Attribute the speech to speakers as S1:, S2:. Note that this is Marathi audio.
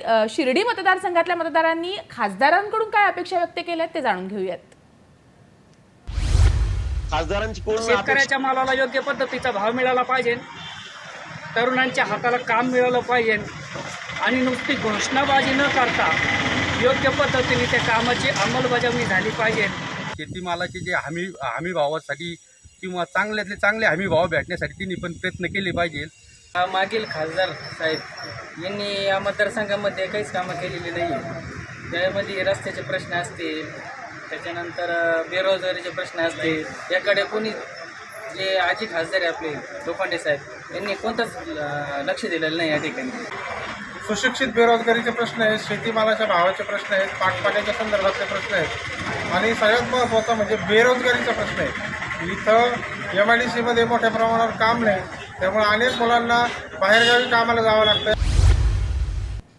S1: शिर्डी मतदारसंघातल्या मतदारांनी खासदारांकडून काय अपेक्षा व्यक्त केल्यात ते जाणून घेऊयात।
S2: खासदारांची कोण
S3: शेतकऱ्याच्या मालाला योग्य पद्धतीचा भाव मिळाला पाहिजे, तरुणांच्या हाताला काम मिळालं पाहिजे आणि नुसती घोषणाबाजी न करता योग्य पद्धतीने त्या कामाची अंमलबजावणी झाली पाहिजे।
S4: शेतीमालाचे जे हमी भावासाठी किंवा चांगल्यातले चांगले हमी भाव भेटण्यासाठी त्यांनी पण प्रयत्न केले पाहिजे।
S3: मागील खासदार साहेब यांनी या मतदारसंघामध्ये काहीच कामं केलेली नाही आहे। त्यामध्ये रस्त्याचे प्रश्न असतील, त्याच्यानंतर बेरोजगारीचे प्रश्न असतील, याकडे कोणी जे आजी खासदार आहे आपले लोखंडे साहेब यांनी कोणतंच लक्ष दिलेलं नाही। या ठिकाणी
S5: सुशिक्षित बेरोजगारीचे प्रश्न आहेत, शेतीमालाच्या भावाचे प्रश्न आहेत, पाण्याच्या संदर्भातले प्रश्न आहेत आणि सगळ्यात महत्त्वाचा म्हणजे बेरोजगारीचा प्रश्न आहे। इथं MIDC मध्ये मोठ्या प्रमाणावर काम नाही, त्यामुळे अनेक मुलांना बाहेरगावी कामाला जावं लागतं।